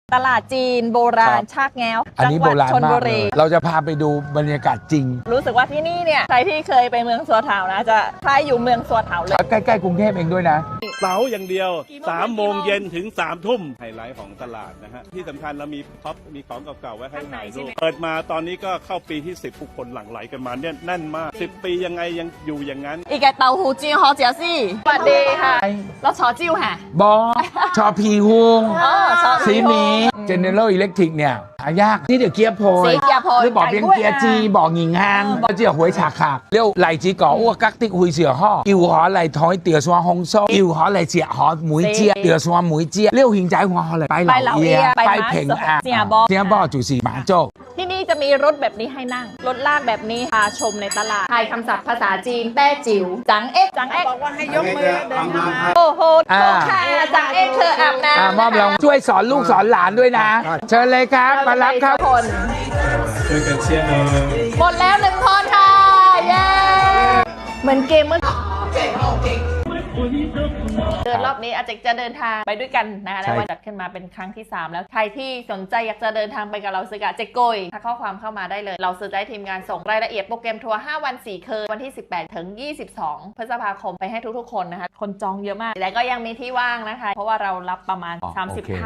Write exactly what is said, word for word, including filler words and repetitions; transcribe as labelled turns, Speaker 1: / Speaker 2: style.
Speaker 1: ตลาดจีนโบราณชากแง้ว
Speaker 2: อัน
Speaker 1: จั
Speaker 2: นี้
Speaker 1: ห
Speaker 2: โบ
Speaker 1: วัด
Speaker 2: ราณ
Speaker 1: ชล
Speaker 2: มา
Speaker 1: บุ
Speaker 2: กเล
Speaker 1: รี
Speaker 2: ยเราจะพาไปดูบรรยากาศจริง
Speaker 1: รู้สึกว่าที่นี่เนี่ยใครที่เคยไปเมืองสัวเถานะจะคล้ายอยู่เมืองสัวเถาเลย
Speaker 2: ใกล้ๆกรุงเทพเองด้วยนะ
Speaker 3: เสาร์อย่างเดียวสามโมงเย็นถึงสามทุ่มไฮไลท์ของตลาดนะฮะที่สำคัญเรามีพ็อปมีของเก่าๆไว้ให้ถ่ายรูปเปิดมาตอนนี้ก็เข้าปีที่สิบผู้คนหลั่งไหลกันมาเนี่ยแน่นมากสิบปียังไงยังอยู่อย่างนั้น
Speaker 1: อีกแกเต้าหู้จิ้นฮอเจียซี่สวัสดีค่ะเราชอจิ้วค่ะ
Speaker 2: บอชอพีฮุง
Speaker 1: อ๋อชอ
Speaker 2: สีนี้ General Electric เนี่ยหายากนี่เดี๋ยวเกียร์โพย
Speaker 1: สีเกียร์โพย
Speaker 2: หรือบอกเพียงเกียร์จีบอกหญิงฮังก็เจียหวยฉากขาเรียวไหลจีก่ออ้วกกักติ๊กหุยเสือห่ออิวหอไหลท้อยเตี๋ยวซัวฮงโซอิวหอไหลเจียหอหมุยเจียเตี๋ยวซัวหมุยเจียเรียวหิงใจหัวหอไหลไปเหล่าเอียไปเพ่งอ่ะเสียบอจู่สีหมาโจก
Speaker 1: ที่นี่จะมีรถแบบนี้ให้นั่ง รถลากแบบนี้พาชมในตลาดทายคำศัพท์ภาษาจีนแต้จิ๋วจังเอ็กจังเอ็กบอกว่าให้ยกมือแล้วเดินเข้ามาโอ้โหโอ้ค่ะจังเอ็กเธออาบน้ำ
Speaker 2: อ่ามอบรางวัลช่วยสอนลูกสอนหลานด้วยนะ เชิญเลยครับมารับครับ
Speaker 1: คน
Speaker 3: ช่วยกันเชียร์หน่อย
Speaker 1: หมดแล้วหนึ่งคนค่ะ เย้ เหมือนเกมเมื่อเดินรอบนี้อาจจะจะเดินทางไปด้วยกันนะคะในวันจัดขึ้นมาเป็นครั้งที่สามแล้วใครที่สนใจอยากจะเดินทางไปกับเราสึกะเจโกยถ้าข้อความเข้ามาได้เลยเราซื้อได้ทีมงานส่งรายละเอียดโปรแกรมทัวร์ห้าวันสี่คืนวันที่สิบแปดถึงยี่สิบสองพฤษภาคมไปให้ทุกๆคนนะคะคนจองเยอะมากแต่ก็ยังมีที่ว่างนะคะเพราะว่าเรารับประมาณ
Speaker 2: อ๋อ
Speaker 1: สามสิบ
Speaker 2: โอเค